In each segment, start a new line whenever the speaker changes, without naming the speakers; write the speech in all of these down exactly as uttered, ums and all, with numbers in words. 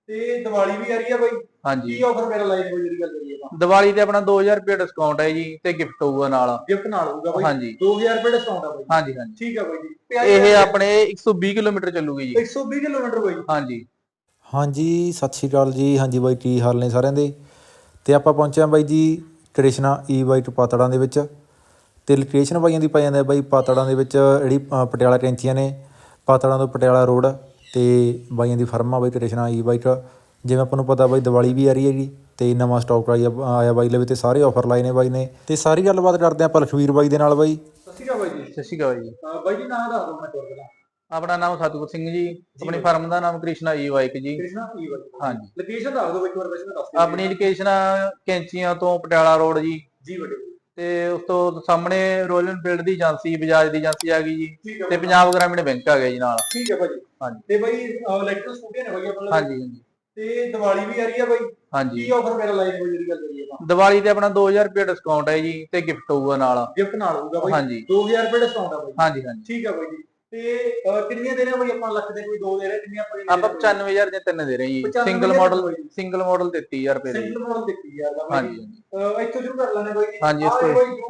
ਤੇ ਦੀਵਾਲੀ ਵੀ ਆ ਰਹੀ ਆ ਬਾਈ,
ਹਾਂਜੀ
ਕੀ ਆਫਰ ਮੇਰਾ ਲਾਈਨ ਕੋਈ ਜਿਹੜੀ ਗੱਲ ਕਰੀਏ ਆਪਾਂ?
ਦੀਵਾਲੀ ਤੇ ਆਪਣਾ ਦੋ ਹਜ਼ਾਰ ਰੁਪਏ ਡਿਸਕਾਊਂਟ ਹੈ ਜੀ ਤੇ ਗਿਫਟ ਹੋਊਗਾ ਨਾਲ।
ਗਿਫਟ ਨਾਲ ਹੋਊਗਾ ਬਾਈ?
ਹਾਂਜੀ
ਦੋ ਹਜ਼ਾਰ ਰੁਪਏ ਡਿਸਕਾਊਂਟ ਆ ਬਾਈ?
ਹਾਂਜੀ ਹਾਂਜੀ
ਠੀਕ ਆ ਬਾਈ ਜੀ।
ਇਹ ਆਪਣੇ ਇੱਕ ਸੌ ਵੀਹ ਕਿਲੋਮੀਟਰ ਚੱਲੂਗੀ ਜੀ।
ਇੱਕ ਸੌ ਵੀਹ ਕਿਲੋਮੀਟਰ ਬਾਈ?
ਹਾਂਜੀ
ਹਾਂਜੀ ਸਤਿ ਸ਼੍ਰੀ ਅਕਾਲ ਜੀ। ਹਾਂਜੀ ਬਾਈ ਕੀ ਹਾਲ ਨੇ ਸਾਰਿਆਂ ਦੇ। ਤੇ ਆਪਾਂ ਪਹੁੰਚੇ ਹਾਂ ਬਾਈ ਜੀ ਕ੍ਰਿਸ਼ਨਾ ਈ ਬਾਈਕ ਪਾਤੜਾਂ ਦੇ ਵਿੱਚ। ਤੇ ਲੋਕੇਸ਼ਨ ਬਾਈਆਂ ਦੀ ਪੈ ਜਾਂਦਾ ਬਾਈ ਪਾਤੜਾਂ ਦੇ ਵਿੱਚ, ਜਿਹੜੀ ਪਟਿਆਲਾ ਕੈਂਚੀਆਂ ਨੇ, ਪਾਤੜਾਂ ਤੋਂ ਪਟਿਆਲਾ ਰੋਡ। ਤੇ ਬਾਈਆਂ ਦੀ ਫਰਮ ਆ ਬਾਈ ਕ੍ਰਿਸ਼ਨਾ ਈ ਬਾਈਕ। ਜਿਵੇਂ ਆਪਾਂ ਨੂੰ ਪਤਾ ਬਾਈ ਦੀਵਾਲੀ ਵੀ ਆ ਰਹੀ ਹੈਗੀ ਤੇ ਨਵਾਂ ਸਟਾਕ ਆਇਆ ਆਇਆ ਬਾਈ ਲਵੇ ਤੇ ਸਾਰੇ ਆਫਰ ਲਾਏ ਨੇ ਬਾਈ ਨੇ। ਤੇ ਸਾਰੀ ਗੱਲਬਾਤ ਕਰਦੇ ਆਪਾਂ ਲਖਵੀਰ ਬਾਈ ਦੇ ਨਾਲ ਬਾਈ।
ਸਤਿ ਸ਼੍ਰੀ ਅਕਾਲ ਬਾਈ ਜੀ।
ਸਤਿ ਸ਼੍ਰੀ ਅਕਾਲ ਜੀ।
ਬਾਈ ਜੀ ਨਾਮ ਦੱਸ ਦਿਓ ਮੈਂ ਤੁਹਾਡਾ।
ਆਪਣਾ ਨਾਮ ਸਤਿਗੁਰ ਸਿੰਘ ਜੀ, ਆਪਣੀ ਫਰਮ ਦਾ ਨਾਮ ਕ੍ਰਿਸ਼ਨਾ ਈ ਬਾਈਕ ਜੀ।
Krishna e bike.
ਹਾਂਜੀ
ਲੋਕੇਸ਼ਨ ਦੱਸ ਦਿਓ ਇੱਕ ਵਾਰ ਵੈਸੇ ਦੱਸ ਦਿਓ।
ਆਪਣੀ ਲੋਕੇਸ਼ਨ ਕੈਂਚੀਆਂ ਤੋਂ ਪਟਿਆਲਾ ਰੋਡ ਜੀ।
ਜੀ ਵੱਡੇ।
ਤੇ ਉਸ ਤੋਂ ਸਾਹਮਣੇ ਰੋਇਲ ਐਨਫੀਲਡ ਦੀ ਏਜੰਸੀ, ਬਜਾਜ ਦੀ ਏਜੰਸੀ ਆ ਗਈ ਜੀ, ਤੇ ਪੰਜਾਬ ਗ੍ਰਾਮੀਣ ਬੈਂਕ ਆ ਗਿਆ ਜੀ ਨਾਲ।
ਠੀਕ ਹੈ ਭਾਜੀ।
ਹਾਂਜੀ
ਤੇ ਬਾਈ ਇਲੈਕਟ੍ਰਿਕ ਸਕੂਟੀਆਂ ਨੇ ਬਾਈ ਆਪਣੇ?
ਹਾਂਜੀ ਹਾਂਜੀ।
ਤੇ ਦੀਵਾਲੀ ਵੀ ਆ ਰਹੀ ਆ ਬਾਈ,
ਹਾਂਜੀ
ਕੀ ਆਫਰ ਮੇਰਾ ਲਾਈਨ ਕੋਈ ਜਿਹੜੀ ਗੱਲ ਕਰੀਏ ਆਪਾਂ?
ਦੀਵਾਲੀ ਤੇ ਆਪਣਾ ਦੋ ਹਜ਼ਾਰ ਰੁਪਏ ਡਿਸਕਾਊਂਟ ਹੈ ਜੀ ਤੇ ਗਿਫਟ ਹੋਊਗਾ ਨਾਲ।
ਗਿਫਟ ਨਾਲ ਹੋਊਗਾ ਬਾਈ?
ਹਾਂਜੀ
ਦੋ ਹਜ਼ਾਰ ਰੁਪਏ ਡਿਸਕਾਊਂਟ ਆ ਬਾਈ?
ਹਾਂਜੀ ਹਾਂਜੀ।
ਠੀਕ ਆ ਬਾਈ ਜੀ। ਤੇ ਕਿੰਨੀਆਂ ਦੇ ਰਹੇ ਆ ਬਾਈ ਆਪਾਂ? ਲੱਖ ਦੇ ਕੋਈ ਦੋ ਦੇ ਰਹੇ, ਕਿੰਨੀਆਂ ਆਪਾਂ?
ਆਪਾਂ ਪਚਾਨਵੇਂ ਹਜ਼ਾਰ ਦੇ ਤਿੰਨ ਦੇ ਰਹੇ ਜੀ। ਸਿੰਗਲ ਮਾਡਲ ਸਿੰਗਲ ਮਾਡਲ ਤੇਤੀ ਹਜ਼ਾਰ ਰੁਪਏ ਦੇ।
ਸਿੰਗਲ ਮਾਡਲ ਤੇਤੀ ਹਜ਼ਾਰ ਦਾ ਬਾਈ?
ਹਾਂਜੀ ਹਾਂਜੀ।
ਇੱਥੋਂ ਸ਼ੁਰੂ ਕਰ ਲੈਣੇ ਬਾਈ ਜੀ।
ਹਾਂਜੀ ਇਸ
ਆਹ
ਤੋਂ
ਕੋਈ ਜੂ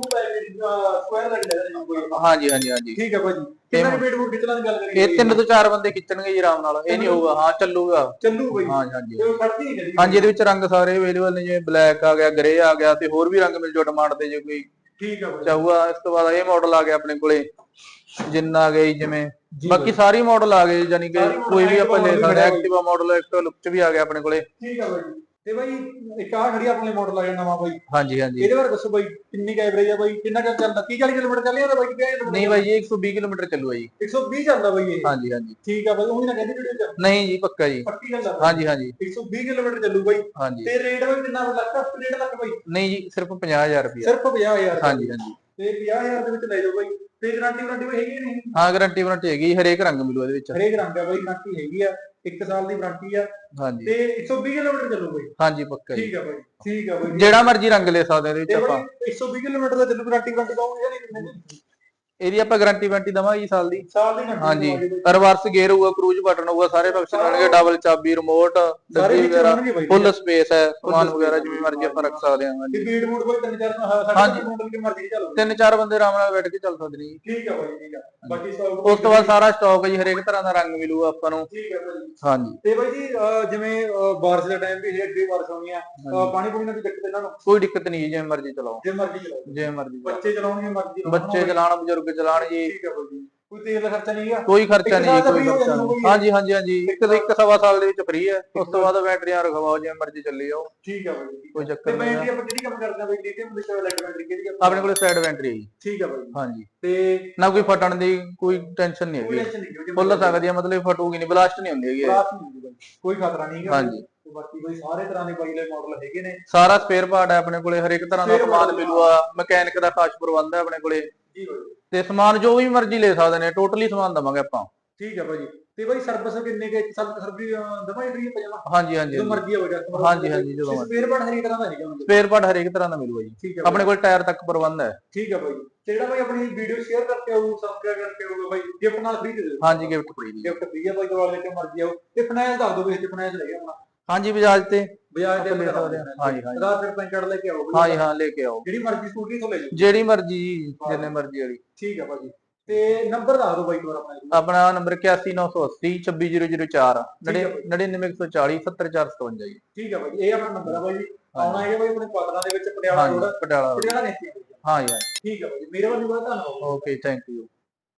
ਸਕੁਆਇਰ ਲੱਗ ਰਿਹਾ।
ਹਾਂਜੀ ਹਾਂਜੀ ਹਾਂਜੀ।
ਠੀਕ ਹੈ ਭਾਜੀ। ਕਿੰਨਾ ਰੁਪਏ ਮੋਡ ਖਿੱਚਣ ਦੀ ਗੱਲ ਕਰੀਏ?
ਇਹ ਤਿੰਨ ਤੋਂ ਚਾਰ ਬੰਦੇ ਖਿੱਚਣਗੇ ਜੀ ਆਰਾਮ ਨਾਲ, ਇਹ ਨਹੀਂ ਹੋਊਗਾ। ਹਾਂ ਚੱਲੂਗਾ
ਚੱਲੂ ਬਾਈ?
ਹਾਂਜੀ ਹਾਂਜੀ
ਤੇ ਖੜਦੀ ਨਹੀਂ ਕਦੀ?
ਹਾਂਜੀ ਇਹਦੇ ਵਿੱਚ ਰੰਗ ਸਾਰੇ ਅਵੇਲੇਬਲ ਨੇ, ਜਿਵੇਂ ਬਲੈਕ ਆ ਗਿਆ, ਗ੍ਰੇ ਆ ਗਿਆ, ਤੇ ਹੋਰ ਵੀ ਰੰਗ ਮਿਲ ਜਾਓ ਡਿਮਾਂਡ ਤੇ ਜੇ ਕੋਈ
ਠੀਕ ਆ ਬਾਈ
ਚਾਹੂਗਾ। ਇਸ ਤੋਂ ਬਾਅਦ ਇਹ ਮਾਡਲ ਆ ਗਿਆ ਆਪਣੇ ਕੋਲੇ, ਜਿੰਨਾ ਆ ਗਿਆ ਜਿਵੇਂ ਬਾਕੀ ਸਾਰੀ ਮਾਡਲ ਆ ਗਏ, ਯਾਨੀ ਕਿ ਕੋਈ ਵੀ ਆਪਾਂ ਲੈ ਸਕਦੇ। ਐਕਟਿਵਾ ਮਾਡਲ ਐਕਟਿਵਾ ਲੁੱਕ ਚ ਵੀ ਆ ਗਿਆ ਆਪਣੇ ਕੋਲੇ।
ਠੀਕ ਆ ਬਾਈ। ਤੇ ਬਾਈ ਇੱਕ ਆ ਖੜੀ ਆਪਣੇ ਮਾਡਲ ਆ ਗਿਆ ਨਵਾਂ ਬਾਈ।
ਹਾਂਜੀ ਹਾਂਜੀ।
ਇਹਦੇ ਬਾਰੇ ਦੱਸੋ ਬਾਈ, ਕਿੰਨੀ ਕ ਐਵਰੇਜ ਆ ਬਾਈ? ਕਿੰਨਾ ਟਾਈਮ ਚੱਲਦਾ? ਤੀਹ ਚਾਲੀ ਕਿਲੋਮੀਟਰ ਚੱਲ ਜਾਂਦਾ ਬਾਈ?
ਨਹੀਂ ਬਾਈ ਜੀ ਇੱਕ ਸੌ ਵੀਹ ਕਿਲੋਮੀਟਰ ਚੱਲੂਗਾ ਜੀ।
ਇੱਕ ਸੌ ਵੀਹ ਚੱਲਦਾ ਬਾਈ ਇਹ?
ਹਾਂਜੀ ਹਾਂਜੀ।
ਠੀਕ ਆ ਬਾਈ। ਉਹ ਵੀ ਨਾ ਕਹਿੰਦੀ ਵੀਡੀਓ ਚ?
ਨਹੀਂ ਜੀ ਪੱਕਾ ਜੀ,
ਪੱਕੀ ਗੱਲ ਆ?
ਹਾਂਜੀ ਹਾਂਜੀ।
ਇੱਕ ਸੌ ਵੀਹ ਕਿਲੋਮੀਟਰ ਚੱਲੂ ਬਾਈ।
ਹਾਂਜੀ।
ਤੇ ਰੇਟ ਬਾਈ ਕਿੰਨਾ? ਲੱਖ ਡੇਢ ਲੱਖ ਬਾਈ?
ਨਹੀਂ ਜੀ ਸਿਰਫ ਪੰਜਾਹ ਹਜ਼ਾਰ ਰੁਪਏ।
ਸਿਰਫ ਪੰਜਾਹ ਹਜ਼ਾਰ?
ਹਾਂਜੀ ਹਾਂਜੀ।
ਤੇ ਪੰਜਾਹ ਹਜ਼ਾਰ ਦੇ ਵਿੱਚ ਲੈ ਜਾਓ ਬਾਈ। ਤੇ ਗਾਰੰਟੀ ਵਾਰੰਟੀ ਬਾਈ ਹੈਗੀ ਨਹੀਂ?
ਹਾਂ ਗਾਰੰਟੀ ਵਾਰੰਟੀ ਹੈਗੀ, ਹਰੇਕ ਰੰਗ ਮਿਲੂ ਇਹਦੇ ਵਿੱਚ।
ਹਰੇਕ ਰੰਗ ਆ ਬਾਈ, ਗਾਰੰਟੀ ਹੈਗੀ ਆ, ਇੱਕ ਸਾਲ ਦੀ ਵਾਰੰਟੀ ਆ।
ਹਾਂਜੀ।
ਤੇ ਇੱਕ ਸੌ ਵੀਹ ਕਿਲੋਮੀਟਰ ਚੱਲੂ ਬਾਈ?
ਹਾਂਜੀ ਪੱਕਾ ਜੀ।
ਠੀਕ ਆ ਬਾਈ। ਠੀਕ ਆ ਬਾਈ।
ਜਿਹੜਾ ਮਰਜ਼ੀ ਰੰਗ ਲੈ ਸਕਦੇ ਇਹਦੇ ਵਿੱਚ ਆਪਾਂ।
ਇੱਕ ਸੌ ਵੀਹ ਕਿਲੋਮੀਟਰ ਦਾ ਚੱਲੂ, ਗਾਰੰਟੀ ਵਾਰੰਟੀ ਪਾਉਂਗੇ ਜਾਂ ਨਹੀਂ?
ਇਹਦੀ ਆਪਾਂ ਗਾਰੰਟੀ ਵਾਰੰਟੀ ਦਵਾਂਗੇ ਜੀ ਸਾਲ ਦੀ।
ਸਾਲ ਦੀ ਗਾਰੰਟੀ?
ਹਾਂਜੀ। ਰਿਵਰਸ ਗੇਅਰ ਹੋਊਗਾ, ਕਰੂਜ਼ ਬਟਨ ਹੋਊਗਾ, ਸਾਰੇ ਫੰਕਸ਼ਨ ਹੋਣਗੇ, ਡਬਲ ਚਾਬੀ, ਰਿਮੋਟ, ਡੱਬੀ ਵਗੈਰਾ, ਫੁੱਲ ਸਪੇਸ ਹੈ, ਸਮਾਨ ਵਗੈਰਾ ਜਿਵੇਂ ਮਰਜ਼ੀ ਆਪਾਂ ਰੱਖ ਸਕਦੇ ਹਾਂ। ਹਾਂਜੀ।
ਸਪੀਡ ਮੋਡ ਕੋਈ ਤਿੰਨ ਚਾਰ ਹਾਂਜੀ ਮੋਡਲ ਕੀ ਮਰਜ਼ੀ ਚੱਲੋ?
ਤਿੰਨ ਚਾਰ ਬੰਦੇ ਆਰਾਮ ਨਾਲ ਬੈਠ ਕੇ ਚੱਲ ਸਕਦੇ ਨੇ ਜੀ।
ਠੀਕ ਆ ਬਾਈ। ਠੀਕ ਆ। ਬਾਕੀ
ਉਸ ਤੋਂ ਬਾਅਦ ਸਾਰਾ ਸਟਾਕ ਹੈ ਜੀ, ਹਰੇਕ ਤਰ੍ਹਾਂ ਦਾ ਰੰਗ ਮਿਲੂਗਾ ਆਪਾਂ ਨੂੰ।
ਠੀਕ ਆ ਬਾਈ।
ਹਾਂਜੀ।
ਤੇ ਬਾਈ ਜੀ ਜਿਵੇਂ ਬਾਰਿਸ਼ ਦਾ ਟਾਈਮ ਵੀ ਹੈ, ਅੱਗੇ ਬਾਰਿਸ਼ ਆਉਣੀ ਆ, ਪਾਣੀ ਪੂਣੀ ਦੀ ਦਿੱਕਤ ਇਹਨਾਂ ਨੂੰ?
ਕੋਈ ਦਿੱਕਤ ਨਹੀਂ, ਜਿਵੇਂ ਮਰਜ਼ੀ ਚਲਾਓ।
ਜਿਵੇਂ ਮਰਜ਼ੀ ਚਲਾਓ? ਜਿਵੇਂ
ਮਰਜ਼ੀ।
ਬੱਚੇ ਚਲਾਉਣਗੇ ਮਰਜ਼ੀ?
ਬੱਚੇ ਚਲਾਣ, ਬਜ਼ੁਰਗ ਚਲਾਣ ਜੀ।
ਠੀਕ ਆ ਬਾਈ ਜੀ। ਕੋਈ ਤੇਲ ਦਾ ਖਰਚਾ ਨਹੀਂ ਹੈਗਾ?
ਕੋਈ ਖਰਚਾ ਨਹੀਂ, ਕੋਈ ਖਰਚਾ ਨਹੀਂ। ਹਾਂਜੀ ਹਾਂਜੀ ਹਾਂਜੀ। ਇੱਕ ਇੱਕ ਸਵਾ ਸਾਲ ਦੇ ਵਿੱਚ ਫ੍ਰੀ ਹੈ। ਉਸ ਤੋਂ ਬਾਅਦ ਬੈਟਰੀਆਂ ਰਖਵਾਓ, ਜਿਵੇਂ ਮਰਜ਼ੀ ਚੱਲੀ ਜਾਓ।
ਠੀਕ ਆ ਬਾਈ।
ਕੋਈ ਚੱਕਰ ਨਹੀਂ।
ਬੈਟਰੀ ਆਪਾਂ ਕਿਹੜੀ ਕੰਮ ਕਰਦੇ ਆ ਬਾਈ? ਲੀਥੀਅਮ ਵਿੱਚ ਲੈਡ ਬੈਟਰੀ ਕਿਹੜੀ ਆ
ਆਪਣੇ ਕੋਲ? ਸਾਈਡ ਬੈਟਰੀ ਹੈ ਜੀ।
ਠੀਕ ਆ ਬਾਈ।
ਹਾਂਜੀ।
ਤੇ
ਨਾ ਕੋਈ ਫਟਣ ਦੀ ਕੋਈ ਟੈਨਸ਼ਨ ਨਹੀਂ ਹੈਗੀ, ਫੁੱਲ ਸਕਦੀ ਹੈ, ਮਤਲਬ ਫਟੂਗੀ ਨਹੀਂ, ਬਲਾਸਟ ਨਹੀਂ ਹੁੰਦੀ ਹੈਗੀ,
ਕੋਈ ਖਤਰਾ ਨਹੀਂ ਹੈਗਾ।
ਹਾਂਜੀ।
ਬਾਕੀ ਕੋਈ ਸਾਰੇ ਤਰ੍ਹਾਂ ਦੇ ਬਾਈ ਦੇ ਮਾਡਲ ਹੈਗੇ ਨੇ।
ਸਾਰਾ ਸਪੇਅਰ ਪਾਰਟ ਹੈ ਆਪਣੇ ਕੋਲੇ, ਹਰੇਕ ਤਰ੍ਹਾਂ ਦਾ ਸਮਾਨ ਮਿਲੂਗਾ, ਮਕੈਨਿਕ ਦਾ ਖਾਸ ਪ੍ਰਬੰਧ ਹੈ ਆਪਣੇ ਕੋਲੇ।
ਜੀ ਬਾਈ।
ਤੇ ਸਮਾਨ ਜੋ ਵੀ ਮਰਜ਼ੀ ਲੈ ਸਕਦੇ ਨੇ, ਟੋਟਲੀ ਸਮਾਨ ਦਵਾਂਗੇ ਆਪਾਂ।
ਠੀਕ ਆ ਭਾਜੀ। ਤੇ ਬਾਈ ਸਰਵਿਸ ਕਿੰਨੇ ਕੇ ਸਰਵਿਸ ਦਵਾਈ ਫ੍ਰੀ ਪਜਾਮਾ?
ਹਾਂਜੀ ਹਾਂਜੀ।
ਜੋ ਮਰਜ਼ੀ ਹੋਵੇ ਕਸਟਮਰ?
ਹਾਂਜੀ ਹਾਂਜੀ ਜਦੋਂ ਮਰਜ਼ੀ।
ਸਪੇਅਰ ਪਾਰਟ ਹਰੇਕ ਤਰ੍ਹਾਂ ਦਾ ਹੈਗਾ?
ਸਪੇਅਰ ਪਾਰਟ ਹਰੇਕ ਤਰ੍ਹਾਂ ਦਾ ਮਿਲੂਗਾ ਜੀ, ਆਪਣੇ ਕੋਲ ਟਾਇਰ ਤੱਕ ਪ੍ਰਬੰਧ ਹੈ।
ਠੀਕ ਆ ਬਾਈ। ਤੇ ਜਿਹੜਾ ਬਾਈ ਆਪਣੀ ਵੀਡੀਓ ਸ਼ੇਅਰ ਕਰਕੇ ਆਊ, ਸਬਸਕ੍ਰਾਈਬ ਕਰਕੇ ਆਊਗਾ ਬਾਈ, ਗਿਫਟ ਨਾਲ ਫ੍ਰੀ ਦੇ ਦਿਓ?
ਹਾਂਜੀ ਗਿਫਟ ਫ੍ਰੀ ਜੀ।
ਗਿਫਟ ਫ੍ਰੀ ਆ ਬਾਈ, ਦਵਾ ਲੈ ਕੇ ਮਰਜ਼ੀ ਆਓ। ਤੇ ਫਾਈਨੈਂਸ ਦੱਸ ਦਿਓ ਵੀ ਇੱਥੇ ਫਾਈਨੈਂਸ ਲੈ ਆਪਣਾ?
ਹਾਂਜੀ ਬਜਾਜ ਤੇ।
ਬਜਾਜ ਤੇ
ਲੈ ਸਕਦੇ ਹਾਂ। ਹਾਂਜੀ ਹਾਂਜੀ।
ਆਧਾਰ ਕਾਰਡ ਪੈਨ ਕਾਰਡ ਲੈ ਕੇ ਆਓ?
ਹਾਂਜੀ ਹਾਂ ਲੈ ਕੇ ਆਓ,
ਜਿਹੜੀ ਮਰਜ਼ੀ ਸਕੂਟਰੀ ਤੋਂ ਲੈ ਜਾਓ?
ਜਿਹੜੀ ਮਰਜ਼ੀ, ਜਿੰਨੇ ਮਰਜ਼ੀ ਵਾਲੀ।
ਠੀਕ ਆ ਭਾਜੀ। ਤੇ ਨੰਬਰ ਦੱਸ ਦਿਓ ਬਾਈ ਕੋਲ ਆਪਣਾ?
ਆਪਣਾ ਨੰਬਰ ਇਕਿਆਸੀ ਨੌ ਸੌ ਅੱਸੀ ਛੱਬੀ ਜ਼ੀਰੋ ਜ਼ੀਰੋ ਚਾਰ, ਨੜਿਨਵੇਂ ਇੱਕ ਸੌ ਚਾਲੀ ਸੱਤਰ ਚਾਰ ਸਤਵੰਜਾ ਜੀ।
ਠੀਕ ਆ ਬਾਈ। ਇਹ ਆਪਣਾ ਨੰਬਰ ਆ ਬਾਈ। ਆਉਣਾ ਹੈ ਬਾਈ ਆਪਣੇ ਪਾਤੜਾਂ ਦੇ ਵਿੱਚ, ਪਟਿਆਲਾ ਰੋਡ,
ਪਟਿਆਲਾ।
ਪਟਿਆਲਾ ਨੇ।
ਹਾਂ ਯਾਰ।
ਠੀਕ ਆ ਬਾਈ। ਮੇਰੇ ਵੱਲੋਂ ਬਹੁਤ ਧੰਨਵਾਦ।
Okay thank you.